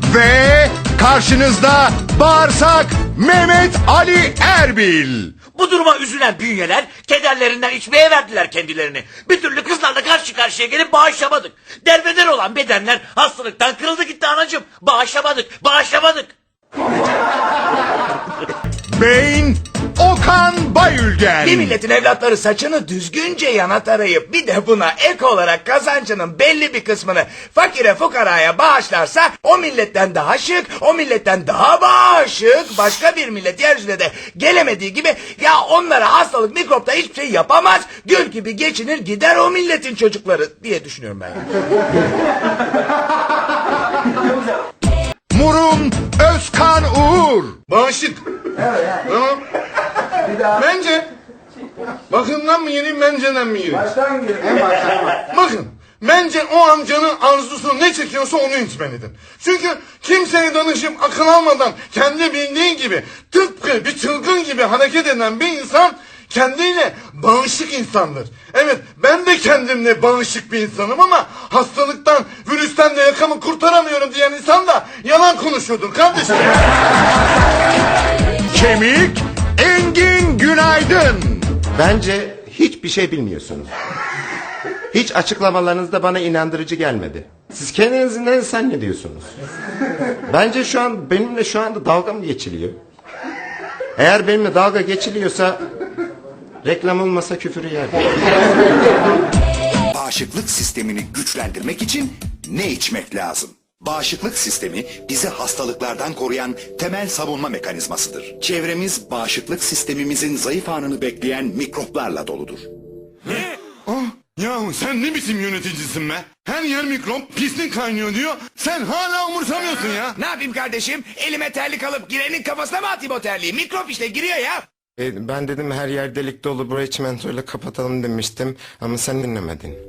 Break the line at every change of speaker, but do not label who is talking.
Ve karşınızda bağırsak Mehmet Ali Erbil.
Bu duruma üzülen bünyeler kederlerinden içmeye verdiler kendilerini. Bir türlü kızlarla karşı karşıya gelip bağışlamadık. Derbeder olan bedenler hastalıktan kırıldı gitti anacığım. Bağışlamadık.
Beyin Okan Bayülgen.
Bir milletin evlatları saçını düzgünce yana tarayıp bir de buna ek olarak kazancının belli bir kısmını fakire fukaraya bağışlarsa o milletten daha şık, o milletten daha bağışık başka bir millet yeryüzüne de gelemediği gibi ya onlara hastalık mikropta hiçbir şey yapamaz, gül gibi geçinir gider o milletin çocukları diye düşünüyorum ben.
Murun Özkan Uğur.
Bağışık. Tamam. Bence bakımdan mı gireyim, benceden mi gireyim?
Baştan girelim. En baştan bak.
Bakın, bence o amcanın arzusu ne çekiyorsa onu içmelidir. Çünkü kimseye danışıp akıl almadan kendi bildiği gibi tıpkı bir çılgın gibi hareket eden bir insan kendiyle bağışık insandır. Evet, ben de kendimle bağışık bir insanım ama hastalıktan, virüsten de yakamı kurtaramıyorum diyen insan da yalan konuşuyordur kardeşim.
Kemik Engin Günaydın.
Bence hiçbir şey bilmiyorsunuz. Hiç açıklamalarınız da bana inandırıcı gelmedi. Siz kendinizi ne zannediyorsunuz? Bence benimle şu anda dalga mı geçiliyor? Eğer benimle dalga geçiliyorsa reklam olmasa küfür yerdim.
Bağışıklık sistemini güçlendirmek için ne içmek lazım? Bağışıklık sistemi bizi hastalıklardan koruyan temel savunma mekanizmasıdır. Çevremiz bağışıklık sistemimizin zayıf anını bekleyen mikroplarla doludur.
Ne? Yahu sen ne biçim yöneticisin be? Her yer mikrop, pislik kaynıyor diyor. Sen hala umursamıyorsun ya.
Ne yapayım kardeşim? Elime terlik alıp girenin kafasına mı atayım o terliği? Mikrop işte giriyor ya.
Ben dedim her yer delik dolu, burayı çimentoyla kapatalım demiştim ama sen dinlemedin.